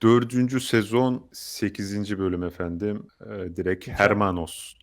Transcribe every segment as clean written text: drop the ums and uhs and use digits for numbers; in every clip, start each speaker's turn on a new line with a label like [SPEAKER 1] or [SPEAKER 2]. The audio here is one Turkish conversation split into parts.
[SPEAKER 1] 4. sezon 8. bölüm efendim. Direkt
[SPEAKER 2] Mükemmel.
[SPEAKER 1] Hermanos.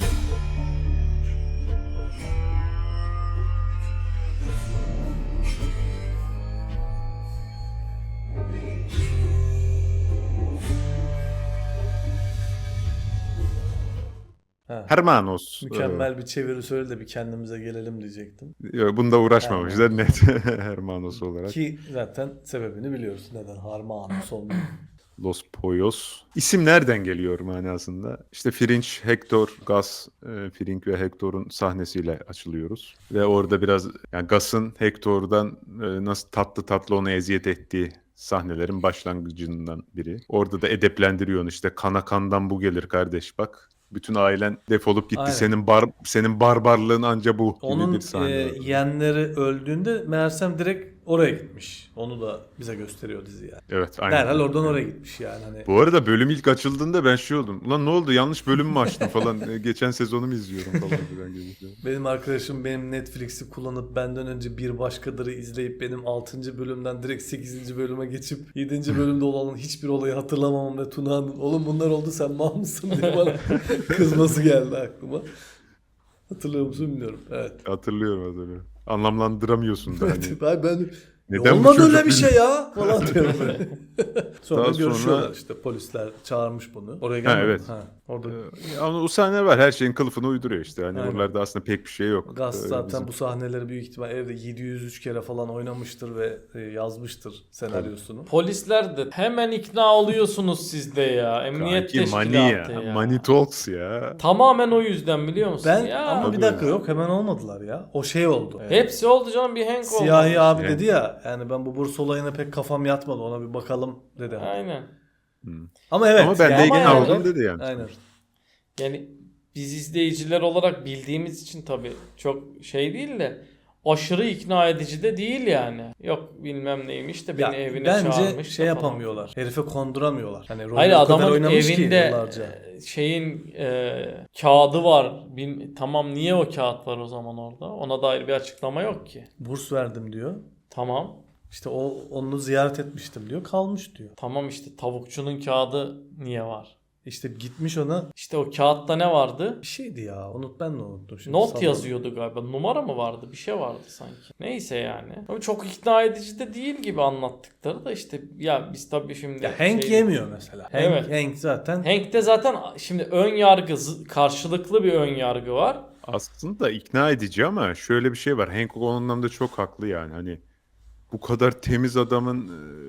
[SPEAKER 2] Ha.
[SPEAKER 1] Hermanos.
[SPEAKER 2] Mükemmel bir çeviri söyle de bir kendimize gelelim diyecektim.
[SPEAKER 1] Bunda uğraşmamışlar
[SPEAKER 2] Hermanos.
[SPEAKER 1] net Hermanos olarak.
[SPEAKER 2] Ki zaten sebebini biliyoruz. Neden Harmanos olmuyor.
[SPEAKER 1] Los Poyos. İsim nereden geliyor manasında? İşte Fringe, Hector, Gus, Fring ve Hector'un sahnesiyle açılıyoruz. Ve orada biraz yani Gus'ın Hector'dan nasıl tatlı tatlı ona eziyet ettiği sahnelerin başlangıcından biri. Orada da edeplendiriyor onu işte kana kandan bu gelir kardeş bak. Bütün ailen defolup gitti.
[SPEAKER 2] Aynen.
[SPEAKER 1] Senin barbarlığın anca bu gibi bir
[SPEAKER 2] Onun
[SPEAKER 1] sahne var.
[SPEAKER 2] yeğenleri öldüğünde meğersem direkt oraya gitmiş. Onu da bize gösteriyor dizi yani.
[SPEAKER 1] Evet, aynen.
[SPEAKER 2] Derhal oradan oraya gitmiş yani. Hani
[SPEAKER 1] Bu arada bölüm ilk açıldığında ben şey oldum. Ulan ne oldu? Yanlış bölüm mü açtım falan. Geçen sezonu mu izliyorum falan filan gibi.
[SPEAKER 2] benim arkadaşım benim Netflix'i kullanıp benden önce Bir Başkadır'ı izleyip benim 6. bölümden direkt 8. bölüme geçip 7. bölümde olan hiçbir olayı hatırlamamam ve Tuna'nın oğlum bunlar oldu sen mal mısın diye bana kızması geldi aklıma. Hatırlıyor musun bilmiyorum. Evet.
[SPEAKER 1] Hatırlıyorum. Anlamlandıramıyorsun da hani.
[SPEAKER 2] ben
[SPEAKER 1] Neden bu
[SPEAKER 2] olmadı
[SPEAKER 1] çocuk
[SPEAKER 2] öyle bir şey
[SPEAKER 1] bizi-
[SPEAKER 2] ya falan diyorum böyle. Sonra
[SPEAKER 1] Daha
[SPEAKER 2] görüşüyorlar
[SPEAKER 1] sonra-
[SPEAKER 2] işte polisler çağırmış bunu. Oraya
[SPEAKER 1] Ha,
[SPEAKER 2] gelmedi.
[SPEAKER 1] evet.
[SPEAKER 2] Ha, orada
[SPEAKER 1] Ama o sahne var. Her şeyin kılıfını uyduruyor işte. Hani
[SPEAKER 2] Aynen.
[SPEAKER 1] oralarda aslında pek bir şey yok.
[SPEAKER 2] Gaz zaten
[SPEAKER 1] Bizim-
[SPEAKER 2] bu sahneleri büyük ihtimal evde 703 kere falan oynamıştır ve yazmıştır senaryosunu.
[SPEAKER 3] Polisler de hemen ikna oluyorsunuz siz de ya. Emniyet
[SPEAKER 1] Kanki Money
[SPEAKER 3] teşkilatı
[SPEAKER 1] ya.
[SPEAKER 3] ya.
[SPEAKER 1] Money Talks ya.
[SPEAKER 3] Tamamen o yüzden biliyor musun?
[SPEAKER 2] Ben
[SPEAKER 3] ya.
[SPEAKER 2] ama bir
[SPEAKER 1] Tabii.
[SPEAKER 2] dakika yok hemen olmadılar ya. O şey oldu.
[SPEAKER 3] Hepsi oldu canım bir Hank oldu.
[SPEAKER 2] Siyahi abi
[SPEAKER 1] Yani.
[SPEAKER 2] dedi ya yani ben bu burs olayına pek kafam yatmadı ona bir bakalım dedi.
[SPEAKER 3] Aynen.
[SPEAKER 2] Ama evet.
[SPEAKER 1] Ama ben de
[SPEAKER 2] yani-
[SPEAKER 1] ikna
[SPEAKER 3] yani-
[SPEAKER 1] oldum dedi yani.
[SPEAKER 2] Aynen.
[SPEAKER 3] Yani biz izleyiciler olarak bildiğimiz için tabii çok şey değil de aşırı ikna edici de değil yani. Yok bilmem neymiş de beni
[SPEAKER 2] Ya,
[SPEAKER 3] evine
[SPEAKER 2] bence
[SPEAKER 3] çağırmış.
[SPEAKER 2] şey
[SPEAKER 3] da falan.
[SPEAKER 2] yapamıyorlar. Herife konduramıyorlar. Hani rolü
[SPEAKER 3] Hayır
[SPEAKER 2] o kadar
[SPEAKER 3] adamın
[SPEAKER 2] oynamış ki
[SPEAKER 3] evinde
[SPEAKER 2] yıllarca.
[SPEAKER 3] şeyin kağıdı var. Tamam niye o kağıt var o zaman orada? Ona dair bir açıklama yok ki.
[SPEAKER 2] Burs verdim diyor.
[SPEAKER 3] Tamam.
[SPEAKER 2] İşte onu ziyaret etmiştim diyor. Kalmış diyor.
[SPEAKER 3] Tamam işte tavukçunun kağıdı niye var?
[SPEAKER 2] İşte gitmiş ona
[SPEAKER 3] İşte o kağıtta ne vardı?
[SPEAKER 2] bir şeydi ya. Ben de unuttum. Şimdi
[SPEAKER 3] Not
[SPEAKER 2] salladım.
[SPEAKER 3] yazıyordu galiba. Numara mı vardı? Bir şey vardı sanki. Neyse yani. Ama çok ikna edici de değil gibi anlattıkları da işte ya biz tabii şimdi
[SPEAKER 2] Ya Hank yemiyor mesela.
[SPEAKER 3] Evet.
[SPEAKER 2] Hank zaten
[SPEAKER 3] Hank'te zaten şimdi ön yargı karşılıklı bir ön yargı var.
[SPEAKER 1] Aslında ikna edici ama şöyle bir şey var. Hank o anlamda çok haklı yani. Hani bu kadar temiz adamın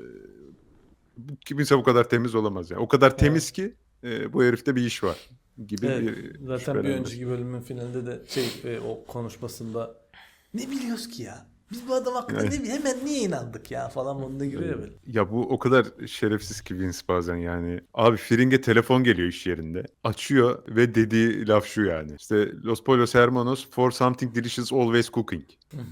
[SPEAKER 1] kimse bu kadar temiz olamaz yani. O kadar temiz ki bu herifte bir iş var gibi
[SPEAKER 2] evet,
[SPEAKER 1] bir
[SPEAKER 2] zaten bir
[SPEAKER 1] şüphelenme.
[SPEAKER 2] önceki bölümün finalinde de o konuşmasında ne biliyoruz ki ya? Biz bu adam hakkında
[SPEAKER 1] Evet.
[SPEAKER 2] hemen niye inandık ya falan moduna giriyor böyle.
[SPEAKER 1] Ya bu o kadar şerefsiz ki Vince bazen yani. Abi Fring'e telefon geliyor iş yerinde. Açıyor ve dediği laf şu yani. İşte Los Pollos Hermanos for something delicious always cooking.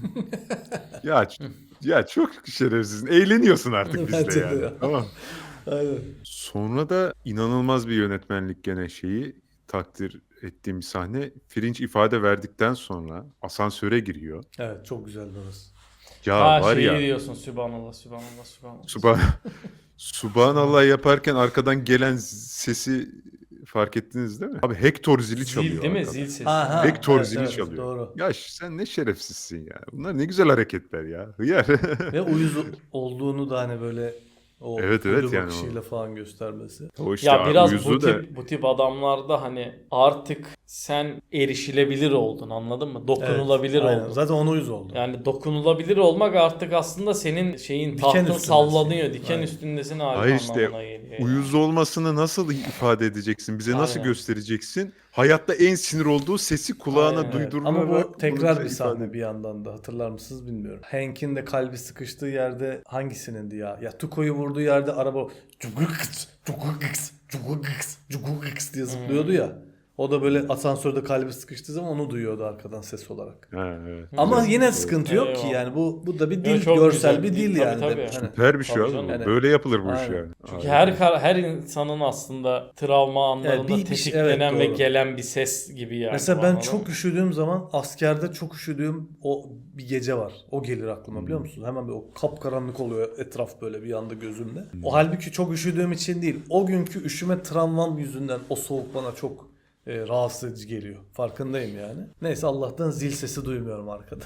[SPEAKER 1] ya çok şerefsizsin. Eğleniyorsun artık
[SPEAKER 2] Bence
[SPEAKER 1] bizle
[SPEAKER 2] de
[SPEAKER 1] yani.
[SPEAKER 2] ya.
[SPEAKER 1] Tamam.
[SPEAKER 2] Aynen.
[SPEAKER 1] Sonra da inanılmaz bir yönetmenlik gene şeyi takdir ettiğim bir sahne. Fringe ifade verdikten sonra asansöre giriyor.
[SPEAKER 2] Evet çok güzel orası.
[SPEAKER 1] Ya
[SPEAKER 3] Ha
[SPEAKER 1] var
[SPEAKER 3] şeyi
[SPEAKER 1] ya
[SPEAKER 3] diyorsun Sübhanallah.
[SPEAKER 1] Subhan Subhanallah yaparken arkadan gelen sesi fark ettiniz değil mi? Abi Hector zili çalıyor.
[SPEAKER 3] Zil değil mi?
[SPEAKER 1] arkada.
[SPEAKER 3] Zil sesi.
[SPEAKER 2] Ha,
[SPEAKER 1] Hector
[SPEAKER 2] evet,
[SPEAKER 1] zili
[SPEAKER 2] evet,
[SPEAKER 1] çalıyor.
[SPEAKER 2] doğru.
[SPEAKER 1] Ya sen ne şerefsizsin ya. Bunlar ne güzel hareketler ya. Hıyar.
[SPEAKER 2] Ve uyuz olduğunu da hani böyle o
[SPEAKER 1] Evet,
[SPEAKER 2] ölü
[SPEAKER 1] yani
[SPEAKER 2] bakışıyla falan göstermesi.
[SPEAKER 1] O işte
[SPEAKER 3] Ya biraz
[SPEAKER 1] uyuzu
[SPEAKER 3] bu tip adamlarda hani artık sen erişilebilir oldun anladın mı? Dokunulabilir
[SPEAKER 2] Evet, aynen.
[SPEAKER 3] oldun.
[SPEAKER 2] Zaten ona uyuz oldu.
[SPEAKER 3] Yani dokunulabilir olmak artık aslında senin şeyin
[SPEAKER 2] Diken
[SPEAKER 3] tahtın
[SPEAKER 2] üstündesin.
[SPEAKER 3] sallanıyor. Diken
[SPEAKER 2] Aynen.
[SPEAKER 3] üstündesin
[SPEAKER 1] Hayır
[SPEAKER 3] hali
[SPEAKER 1] işte
[SPEAKER 3] anlamına geliyor. yani.
[SPEAKER 1] uyuz olmasını nasıl ifade edeceksin? Bize nasıl
[SPEAKER 3] Aynen.
[SPEAKER 1] göstereceksin? Hayatta en sinir olduğu sesi kulağına
[SPEAKER 3] Aynen, evet.
[SPEAKER 1] duydurarak
[SPEAKER 2] Ama bu tekrar
[SPEAKER 1] bunu
[SPEAKER 2] bir
[SPEAKER 1] bize
[SPEAKER 2] sahne
[SPEAKER 1] ifade
[SPEAKER 2] bir yandan da hatırlar mısınız bilmiyorum. Hank'in de kalbi sıkıştığı yerde hangisinin ya? Ya Tuco'yu vurduğu yerde araba cugukıks, cugukıks, cugukıks, cugukıks diye zıplıyordu ya. O da böyle asansörde kalbi sıkıştığı zaman onu duyuyordu arkadan ses olarak.
[SPEAKER 1] Ha, evet.
[SPEAKER 2] Ama
[SPEAKER 3] Güzel.
[SPEAKER 2] yine sıkıntı yok ki
[SPEAKER 3] Eyvallah.
[SPEAKER 2] yani bu da bir
[SPEAKER 3] Yok,
[SPEAKER 2] dil,
[SPEAKER 3] çok
[SPEAKER 2] görsel
[SPEAKER 3] güzel
[SPEAKER 2] bir
[SPEAKER 3] bir
[SPEAKER 2] dil
[SPEAKER 3] dil,
[SPEAKER 2] yani.
[SPEAKER 3] tabii,
[SPEAKER 2] de.
[SPEAKER 3] tabii.
[SPEAKER 2] Hani,
[SPEAKER 1] Süper bir şey
[SPEAKER 3] Tabii
[SPEAKER 1] abi.
[SPEAKER 3] canım.
[SPEAKER 2] Yani-
[SPEAKER 1] Böyle yapılır bu iş
[SPEAKER 2] Aynen.
[SPEAKER 1] yani.
[SPEAKER 3] Çünkü
[SPEAKER 1] Harika.
[SPEAKER 3] her insanın aslında travma anlarında
[SPEAKER 2] bir şey-
[SPEAKER 3] tetiklenen
[SPEAKER 2] evet,
[SPEAKER 3] ve
[SPEAKER 2] doğru.
[SPEAKER 3] gelen bir ses gibi yani.
[SPEAKER 2] mesela ben
[SPEAKER 3] Anladın
[SPEAKER 2] çok
[SPEAKER 3] mı?
[SPEAKER 2] üşüdüğüm zaman askerde çok üşüdüğüm o bir gece var. O gelir aklıma biliyor musun? Hemen bir o kapkaranlık oluyor etraf böyle bir anda gözümde. O halbuki çok üşüdüğüm için değil. O günkü üşüme travmam yüzünden o soğuk bana çok rahatsız edici geliyor. Farkındayım yani. Neyse Allah'tan zil sesi duymuyorum arkada.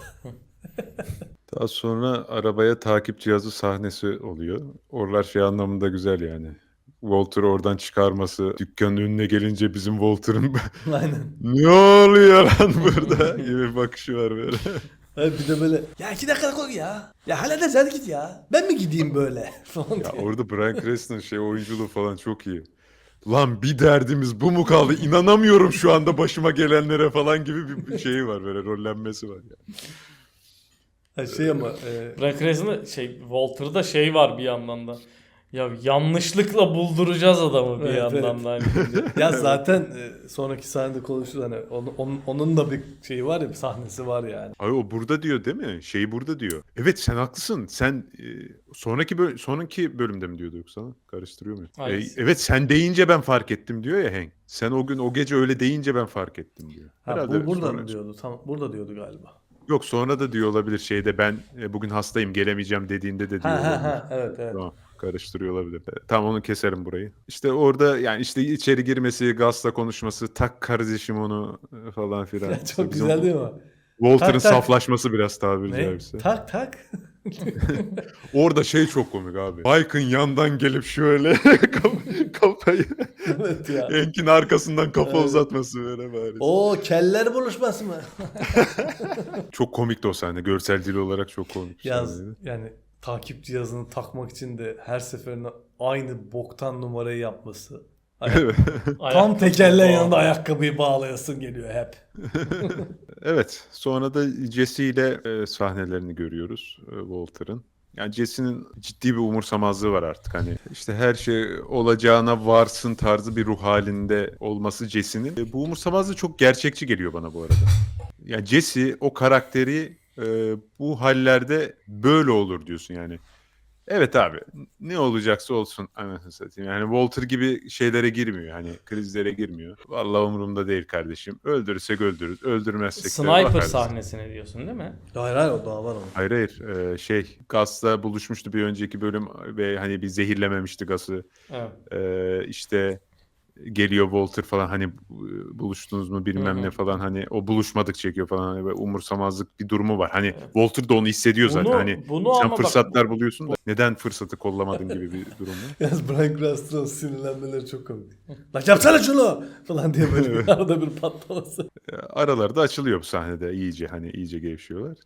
[SPEAKER 1] Daha sonra arabaya takip cihazı sahnesi oluyor. Oralar şey anlamında güzel yani. Walter'ı oradan çıkarması, dükkanın önüne gelince bizim Walter'ın
[SPEAKER 2] Aynen.
[SPEAKER 1] ne oluyor lan burada gibi bir bakışı var böyle.
[SPEAKER 2] Evet, bir de böyle ya 2 dakika koy ya. Ya hallederiz hadi git ya. Ben mi gideyim böyle falan
[SPEAKER 1] Ya
[SPEAKER 2] diye.
[SPEAKER 1] orada Bryan Cranston'ın şey oyunculuğu falan çok iyi. Lan bir derdimiz bu mu kaldı? İnanamıyorum şu anda başıma gelenlere falan gibi bir şeyi var böyle rollenmesi var ya.
[SPEAKER 2] Ha, şey ama
[SPEAKER 3] Bryan Cranston'da Walter'da şey var bir yandan da. Ya yanlışlıkla bulduracağız adamı bir
[SPEAKER 2] Evet,
[SPEAKER 3] yandan
[SPEAKER 2] evet.
[SPEAKER 3] da. Hani.
[SPEAKER 2] ya zaten sonraki sahnede konuşuruz hani onun da bir şeyi var ya bir sahnesi var yani.
[SPEAKER 1] Ay o burada diyor değil mi? Şeyi burada diyor. Evet sen haklısın. Sen sonraki bölümde mi diyordu yoksa? Karıştırıyor muyum?
[SPEAKER 3] Hangisi?
[SPEAKER 1] Evet sen deyince ben fark ettim diyor ya Hank. Sen o gece öyle deyince ben fark ettim diyor.
[SPEAKER 2] Ha, bu burada
[SPEAKER 1] sonra-
[SPEAKER 2] mı diyordu? Tamam burada diyordu galiba.
[SPEAKER 1] Yok sonra da diyor olabilir şeyde ben bugün hastayım gelemeyeceğim dediğinde de diyor olabilir.
[SPEAKER 2] Evet.
[SPEAKER 1] Tamam. Karıştırıyor olabilir. Tamam onu keserim burayı. İşte orada yani işte içeri girmesi, Gaz'la konuşması, tak kardeşim onu falan filan.
[SPEAKER 2] Ya,
[SPEAKER 1] İşte
[SPEAKER 2] çok
[SPEAKER 1] bizim
[SPEAKER 2] güzel değil mi?
[SPEAKER 1] Walter'ın
[SPEAKER 2] Tak, tak.
[SPEAKER 1] saflaşması biraz tabiri
[SPEAKER 2] Ne?
[SPEAKER 1] caizse.
[SPEAKER 2] Tak tak.
[SPEAKER 1] Orada şey çok komik abi. Mike'ın yandan gelip şöyle kafayı
[SPEAKER 2] evet ya.
[SPEAKER 1] Hank'in arkasından kafa
[SPEAKER 2] Evet.
[SPEAKER 1] uzatması böyle bari.
[SPEAKER 2] O keller buluşması mı?
[SPEAKER 1] Çok komikti o sahne. Görsel dil olarak çok komik bir
[SPEAKER 2] Yaz
[SPEAKER 1] sahneydi.
[SPEAKER 2] yani takip cihazını takmak için de her seferinde aynı boktan numarayı yapması. Tam
[SPEAKER 3] Ayakta
[SPEAKER 2] tekerleğin
[SPEAKER 3] bağlı.
[SPEAKER 2] yanında ayakkabıyı bağlayasın geliyor hep.
[SPEAKER 1] Evet. Sonra da Jesse ile sahnelerini görüyoruz Walter'ın. Yani Jesse'nin ciddi bir umursamazlığı var artık. Hani işte her şey olacağına varsın tarzı bir ruh halinde olması Jesse'nin. Bu umursamazlığı çok gerçekçi geliyor bana bu arada. Yani Jesse o karakteri bu hallerde böyle olur diyorsun yani. Evet abi ne olacaksa olsun anasını satayım. Yani Walter gibi şeylere girmiyor. Hani krizlere girmiyor. Vallahi umurumda değil kardeşim. Öldürürsek öldürürüz. Öldürmezsek de
[SPEAKER 3] Sniper
[SPEAKER 1] bakarız.
[SPEAKER 3] sahnesini diyorsun değil mi?
[SPEAKER 2] Hayır o daha var onun.
[SPEAKER 1] Hayır. Gaz'la buluşmuştu bir önceki bölüm ve hani bir zehirlememişti Gaz'ı.
[SPEAKER 3] Evet.
[SPEAKER 1] İşte geliyor Walter falan hani buluştunuz mu bilmem
[SPEAKER 3] Hı hı.
[SPEAKER 1] ne falan hani o buluşmadık çekiyor falan hani böyle umursamazlık bir durumu var. Hani Walter da onu hissediyor zaten.
[SPEAKER 3] Bunu-
[SPEAKER 1] Hani
[SPEAKER 3] bunu
[SPEAKER 1] sen
[SPEAKER 3] ama bak-
[SPEAKER 1] fırsatlar buluyorsun da neden fırsatı kollamadın gibi bir durum var.
[SPEAKER 2] Yalnız Bryan Cranston'ın sinirlenmeleri çok komik. Lan yapsana şunu falan diye böyle bir arada bir patlaması.
[SPEAKER 1] Aralarda açılıyor bu sahnede iyice gevşiyorlar.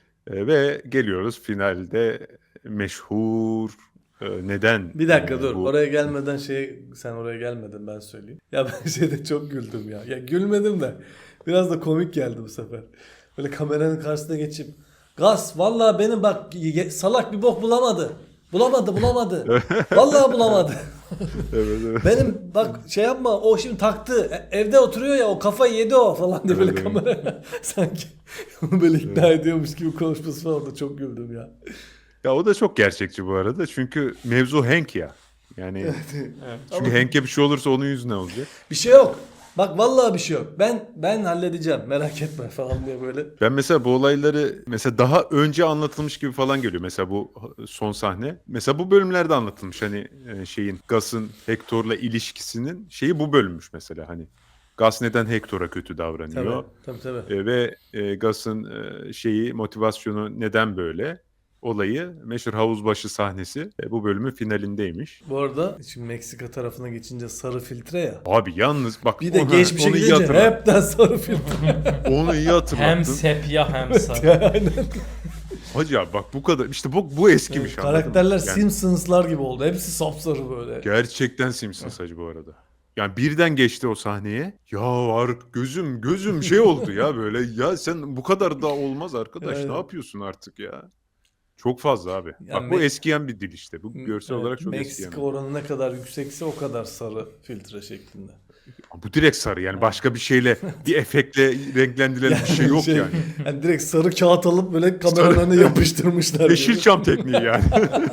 [SPEAKER 1] Ve geliyoruz finalde meşhur neden
[SPEAKER 2] Bir dakika dur.
[SPEAKER 1] bu
[SPEAKER 2] Oraya gelmeden sen oraya gelmedin ben söyleyeyim. Ya ben şeyde çok güldüm ya. Ya gülmedim de biraz da komik geldi bu sefer. Böyle kameranın karşısına geçip Gaz vallahi benim bak salak bir bok bulamadı. Bulamadı. Vallahi bulamadı.
[SPEAKER 1] evet.
[SPEAKER 2] Benim bak şey yapma o şimdi taktı. Evde oturuyor ya o kafayı yedi o falan diye böyle
[SPEAKER 1] Evet, evet.
[SPEAKER 2] kamera sanki onu böyle ikna ediyormuş gibi konuşması falan da çok güldüm ya.
[SPEAKER 1] Ya o da çok gerçekçi bu arada çünkü mevzu Hank ya. Yani
[SPEAKER 3] Evet.
[SPEAKER 1] çünkü Hank'e bir şey olursa onun yüzünden olacak.
[SPEAKER 2] Bir şey yok. Bak vallahi bir şey yok. Ben halledeceğim. Merak etme falan diye böyle.
[SPEAKER 1] Ben mesela bu olayları mesela daha önce anlatılmış gibi falan geliyor. Mesela bu son sahne. Mesela bu bölümlerde anlatılmış hani Gus'ın Hector'la ilişkisinin şeyi bu bölünmüş mesela hani. Gus neden Hector'a kötü davranıyor?
[SPEAKER 2] Tabii.
[SPEAKER 1] Ve Gus'ın motivasyonu neden böyle? Olayı meşhur havuzbaşı sahnesi bu bölümün finalindeymiş.
[SPEAKER 2] Bu arada şimdi Meksika tarafına geçince sarı filtre ya.
[SPEAKER 1] Abi yalnız bak
[SPEAKER 2] Bir de
[SPEAKER 1] onu
[SPEAKER 2] geçmişe
[SPEAKER 1] iyi
[SPEAKER 2] gidince
[SPEAKER 1] hatırlattın.
[SPEAKER 2] hepten sarı filtre.
[SPEAKER 1] Onu iyi hatırlattın.
[SPEAKER 3] Hem sepya hem sarı.
[SPEAKER 2] Aynen.
[SPEAKER 1] Hacı abi bak bu kadar işte bu eskimiş anladın mı?
[SPEAKER 2] Karakterler
[SPEAKER 1] Yani
[SPEAKER 2] Simpsons'lar gibi oldu. Hepsi sapsarı böyle.
[SPEAKER 1] gerçekten Simpsons hacı bu arada. Yani birden geçti o sahneye. Ya gözüm şey oldu ya böyle. Ya sen bu kadar da olmaz arkadaş.
[SPEAKER 2] Evet.
[SPEAKER 1] Ne yapıyorsun artık ya? Çok fazla abi.
[SPEAKER 2] Yani
[SPEAKER 1] Bak bu eskiyen bir dil işte. Bu görsel
[SPEAKER 2] Evet,
[SPEAKER 1] olarak çok eskiyen.
[SPEAKER 2] Meksika oranı ne kadar yüksekse o kadar sarı filtre şeklinde.
[SPEAKER 1] Bu direkt sarı yani başka bir şeyle bir efektle renklendirilen bir şey yok yani.
[SPEAKER 2] Yani direkt sarı kağıt alıp böyle kameranın önüne yapıştırmışlar.
[SPEAKER 1] Yeşilçam tekniği yani.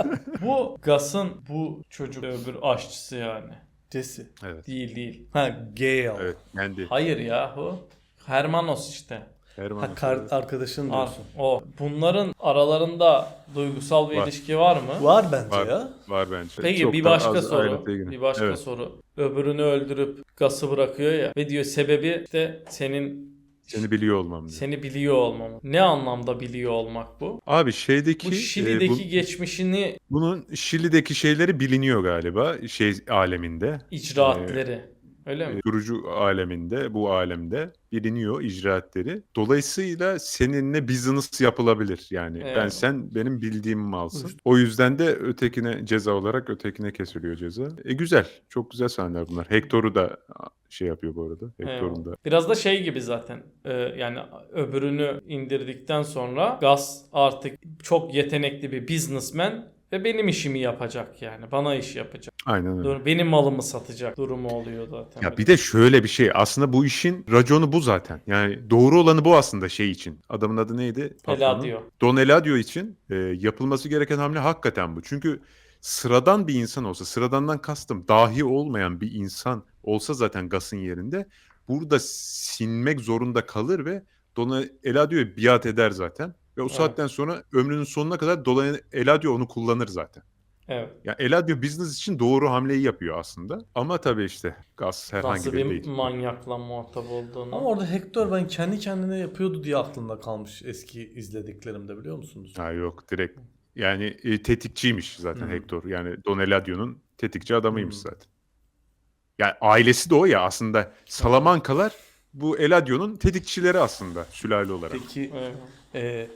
[SPEAKER 3] Bu Gus'ın bu çocuk öbür aşçısı yani.
[SPEAKER 2] Jesse.
[SPEAKER 1] Evet.
[SPEAKER 3] Değil.
[SPEAKER 2] Ha Gale.
[SPEAKER 1] Evet. Kendi.
[SPEAKER 3] Hayır yahu. Hermanos işte.
[SPEAKER 1] Herman.
[SPEAKER 2] Ha arkadaşın
[SPEAKER 3] Ar-
[SPEAKER 2] diyorsun.
[SPEAKER 3] o. Bunların aralarında duygusal bir
[SPEAKER 1] Var.
[SPEAKER 3] ilişki var mı?
[SPEAKER 2] Var bence
[SPEAKER 1] Var.
[SPEAKER 2] ya.
[SPEAKER 1] Var bence.
[SPEAKER 3] Peki
[SPEAKER 1] Çok
[SPEAKER 3] bir
[SPEAKER 1] da
[SPEAKER 3] başka
[SPEAKER 1] az
[SPEAKER 3] soru.
[SPEAKER 1] ayrıntıya girin.
[SPEAKER 3] Bir başka
[SPEAKER 1] Evet.
[SPEAKER 3] soru. Öbürünü öldürüp Gus'ı bırakıyor ya ve diyor sebebi işte
[SPEAKER 1] Seni biliyor olmam diyor.
[SPEAKER 3] seni biliyor olmam. Ne anlamda biliyor olmak bu?
[SPEAKER 1] Abi şeydeki
[SPEAKER 3] Bu Şili'deki geçmişini,
[SPEAKER 1] bunun Şili'deki şeyleri biliniyor galiba şey aleminde.
[SPEAKER 3] icraatleri. Öyle mi?
[SPEAKER 1] Kurucu aleminde, bu alemde biliniyor icraatleri. Dolayısıyla seninle business yapılabilir. Yani
[SPEAKER 3] Evet.
[SPEAKER 1] sen benim bildiğimi malsın. O yüzden de ötekine ceza olarak ötekine kesiliyor ceza. Güzel. Çok güzel sahneler bunlar. Hector'u da şey yapıyor bu arada. Hector'un da.
[SPEAKER 3] Biraz da şey gibi zaten. Yani öbürünü indirdikten sonra Gus artık çok yetenekli bir businessman ve benim işimi yapacak yani. Bana iş yapacak.
[SPEAKER 1] Aynen öyle.
[SPEAKER 3] Benim malımı satacak durumu oluyor zaten.
[SPEAKER 1] Ya bir de şöyle bir şey. Aslında bu işin raconu bu zaten. Yani doğru olanı bu aslında şey için. Adamın adı neydi? Patronun.
[SPEAKER 3] Eladio.
[SPEAKER 1] Don Eladio için yapılması gereken hamle hakikaten bu. Çünkü sıradan bir insan olsa, sıradandan kastım dahi olmayan bir insan olsa zaten Gus'ın yerinde burada sinmek zorunda kalır ve Don Eladio'ya biat eder zaten. Ve o saatten sonra ömrünün sonuna kadar Don Eladio onu kullanır zaten.
[SPEAKER 3] Evet.
[SPEAKER 1] Ya Eladio business için doğru hamleyi yapıyor aslında. Ama tabii işte Gus herhangi
[SPEAKER 3] Nasıl
[SPEAKER 1] biri
[SPEAKER 3] bir
[SPEAKER 1] değil.
[SPEAKER 3] manyakla muhatap olduğunu.
[SPEAKER 2] Ama orada Hector ben kendi kendine yapıyordu diye aklımda kalmış eski izlediklerimde, biliyor musunuz?
[SPEAKER 1] Ha yok direkt yani tetikçiymiş zaten Hector. Yani Don Eladio'nun tetikçi adamıymış zaten. Yani ailesi de o ya aslında. Salamankalar bu Eladio'nun tetikçileri aslında sülale olarak.
[SPEAKER 2] Peki
[SPEAKER 3] Evet.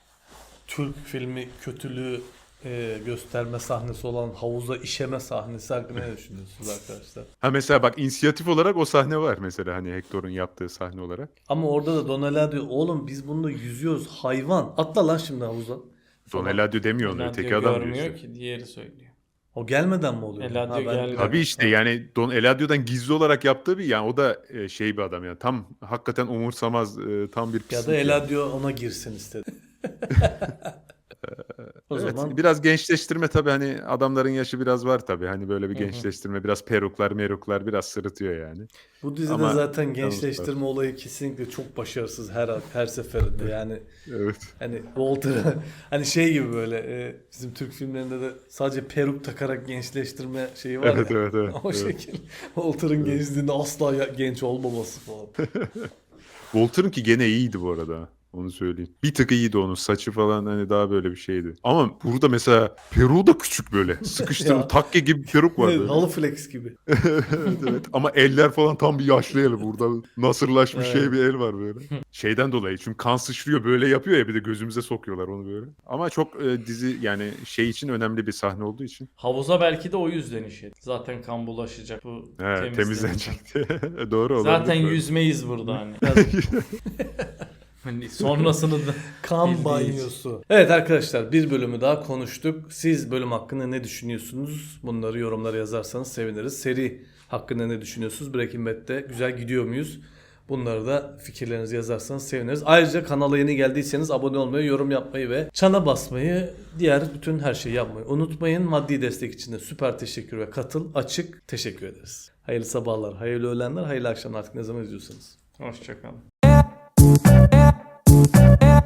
[SPEAKER 2] Türk filmi kötülüğü gösterme sahnesi olan havuza işeme sahnesi hakkında ne düşünüyorsunuz arkadaşlar?
[SPEAKER 1] Ha mesela bak inisiyatif olarak o sahne var mesela hani Hector'un yaptığı sahne olarak.
[SPEAKER 2] Ama orada da Don Eladio oğlum biz bununla yüzüyoruz hayvan atla lan şimdi havuza.
[SPEAKER 1] Don
[SPEAKER 2] falan.
[SPEAKER 1] Eladio demiyor onu
[SPEAKER 3] Eladio
[SPEAKER 1] öteki adam diyor
[SPEAKER 3] görmüyor
[SPEAKER 1] işte.
[SPEAKER 3] ki diğeri söylüyor.
[SPEAKER 2] O gelmeden mi oluyor?
[SPEAKER 3] Eladio gelmeden.
[SPEAKER 1] Tabii işte yani Don Eladio'dan gizli olarak yaptığı bir yani o da şey bir adam yani tam hakikaten umursamaz tam bir
[SPEAKER 2] Ya
[SPEAKER 1] pislik.
[SPEAKER 2] da
[SPEAKER 1] yani.
[SPEAKER 2] Eladio ona girsin istedi. O
[SPEAKER 1] Evet,
[SPEAKER 2] zaman
[SPEAKER 1] biraz gençleştirme tabii hani adamların yaşı biraz var tabii. Hani böyle bir gençleştirme biraz peruklar biraz sırıtıyor yani.
[SPEAKER 2] bu dizide
[SPEAKER 1] Ama
[SPEAKER 2] zaten gençleştirme olayı kesinlikle çok başarısız her seferinde. Yani
[SPEAKER 1] Evet.
[SPEAKER 2] hani Walter'ı hani şey gibi böyle bizim Türk filmlerinde de sadece peruk takarak gençleştirme şeyi var
[SPEAKER 1] Evet,
[SPEAKER 2] ya.
[SPEAKER 1] evet, evet,
[SPEAKER 2] O
[SPEAKER 1] evet.
[SPEAKER 2] şekil. Walter'ın gençliğinde asla genç olmaması falan.
[SPEAKER 1] Walter'ınki gene iyiydi bu arada. Onu söyleyeyim. Bir tık iyiydi onun. Saçı falan hani daha böyle bir şeydi. Ama burada mesela peruğu da küçük böyle. Sıkıştırılmış
[SPEAKER 2] Ya.
[SPEAKER 1] takke gibi bir peruk var
[SPEAKER 2] Evet,
[SPEAKER 1] böyle.
[SPEAKER 2] halı flex gibi.
[SPEAKER 1] Evet. Ama eller falan tam bir yaşlı el. Burada nasırlaşmış
[SPEAKER 2] Evet.
[SPEAKER 1] şey bir el var böyle. Şeyden dolayı çünkü kan sıçrıyor böyle yapıyor ya bir de gözümüze sokuyorlar onu böyle. Ama çok dizi yani şey için önemli bir sahne olduğu için.
[SPEAKER 3] Havuza belki de o yüzden işedi. Zaten kan bulaşacak bu
[SPEAKER 1] Temizlenecekti. Doğru olabilir.
[SPEAKER 3] Zaten
[SPEAKER 1] tabii.
[SPEAKER 3] yüzmeyiz burada hani. Hani sonrasını da
[SPEAKER 2] Kan
[SPEAKER 3] bildiği
[SPEAKER 2] banyosu. Evet arkadaşlar bir bölümü daha konuştuk. Siz bölüm hakkında ne düşünüyorsunuz? Bunları yorumlara yazarsanız seviniriz. Seri hakkında ne düşünüyorsunuz? Breaking Bad'de güzel gidiyor muyuz? Bunları da fikirlerinizi yazarsanız seviniriz. Ayrıca kanala yeni geldiyseniz abone olmayı, yorum yapmayı ve çana basmayı, diğer bütün her şeyi yapmayı unutmayın. Maddi destek için de süper teşekkür ve katıl açık teşekkür ederiz. Hayırlı sabahlar, hayırlı öğlenler, hayırlı akşamlar artık ne zaman izliyorsanız.
[SPEAKER 3] Hoşçakalın.